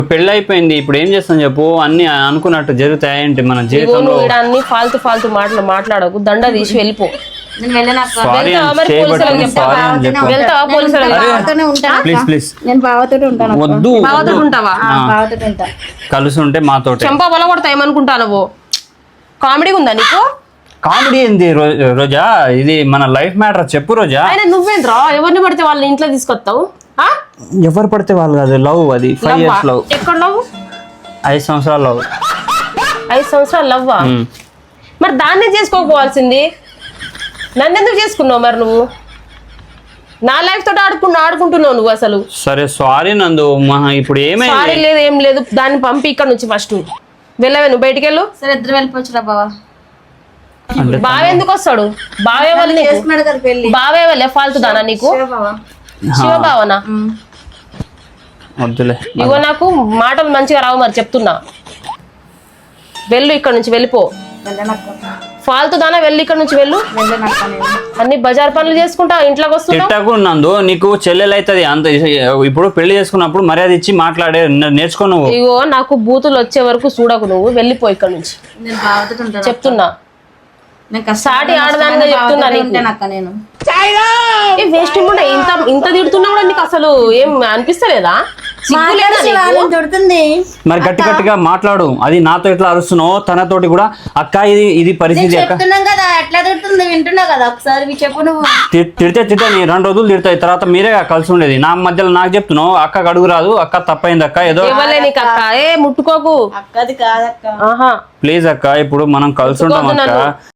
పెళ్లి అయిపోయింది, ఇప్పుడు ఏం చేస్తాం చెప్పు? అన్ని అనుకున్నట్టు జరుగుతాయేంటి మన జీవితంలో? అన్ని ఫాల్తు మాటలు మాట్లాడకు, దండ తీసి వెళ్ళిపో. నేను వెళ్ళను అక్క. సారీ అని చేయబట్టి సారీ అని చెప్పు. వెళ్తావా పోలీసులు? బావతోనే ఉంటాను అక్క. ప్లీజ్ ప్లీజ్ నేను బావతోనే ఉంటాను అక్క. వద్దు బావతో ఉంటావా? బావతోనే ఉంటా. కలిసి ఉంటే మాతోటే. చెంప బల కొడతా ఏమనుకుంటానవో. కామెడీ ఉందా నీకు? కామెడీ ఏంది రోజా? ఇది మన లైఫ్ మ్యాటర్. చెప్పు రోజా. ఆయన నువ్వేంద్రా ఎవరిని పడితే వాళ్ళని ఇంట్లో తీసుకొస్తావు? ఎవరు పడితే వాళ్ళు కాదు, లవ్. అది 5 years లవ్. ఎక్కడ లవ్? 5 సంవత్సరాల లవ్. 5 సంవత్సరాలు లవ్వా? మరి దాన్నే చేసుకోకపోవాల్సింది. నన్ను ఎందుకు చేసుకున్నావు మరి నువ్వు? నా లైఫ్ తోటి ఆడుకుంటున్నావు నువ్వు అసలు. సరే సారీ నందు. ఇప్పుడు సారీ ఏమైంది? లేదు ఏం లేదు. దాన్ని పంపి ఇక్కడ నుంచి ఫస్ట్ వెళ్ళవే. నువ్వు బయటికి వెళ్ళు. సరే ఇద్దరు వెళ్ళిపోవచ్చురా బావ. బావ ఎందుకు వస్తాడు? బావే వాళ్ళు చేసుకున్నాడు కదా పెళ్లి. బావే వాళ్ళే ఫాల్తు దానా నీకు? బావ శివబావనా? వద్దులే. ఇగో నాకు మాటలు మంచిగా రావు మరి చెప్తున్నా. వెళ్ళు ఇక్కడ నుంచి, వెళ్ళిపో. వెళ్ళనక్క. ఫాల్తు దానా వెళ్ళు ఇక్కడ నుంచి, వెళ్ళు. వెళ్ళనక్క నేను. అన్ని బజార్ పనులు చేసుకుంటా ఇంట్లోకి వస్తున్నావు. తిట్టకు నందు, నీకు చెల్లెలు అవుతుంది అంత. ఇప్పుడు పెళ్లి చేసుకున్నప్పుడు మర్యాద ఇచ్చి మాట్లాడే నేర్చుకో నువ్వు. ఇగో నాకు బూతులు వచ్చే వరకు చూడకు నువ్వు. వెళ్ళిపో ఇక్కడ నుంచి నేను బావతోనే ఉంటాను. చెప్తున్నా. నేను సాటి ఆడదానిగా చెప్తున్నా నీకు. ఉంటానక్క నేను. వేస్ట్ ఉండే ఇంత తిడుతున్నా కూడా నీకు అసలు ఏం అనిపిస్తలేదా? సిగ్గు లేదా నీకు? దొరుకుతుంది. మరి గట్టి గట్టిగా మాట్లాడు. అది నాతో ఎట్లా అరుస్తున్నావు, తనతోటి కూడా అక్క ఇది పరిస్థితి అక్క. చెప్తున్నాం కదా ఎట్లా దొరుకుతుంది, వింటున్నా కదా. ఒకసారి చెప్పు నువ్వు. తిడితే నీ 2 రోజులు తిడతాయి, తర్వాత మీరే కలిసి ఉండేది. నా మధ్యలో నాకు చెప్తున్నావు అక్క అడుగు రాదు, అక్క తప్పైంది అక్క ఏదో. ఇవ్వలే నీకు అక్క. ముట్టుకోకు. అక్కది కాదక్క. ఆహా ప్లీజ్ అక్క, ఇప్పుడు మనం కలిసి ఉంటాం అక్క.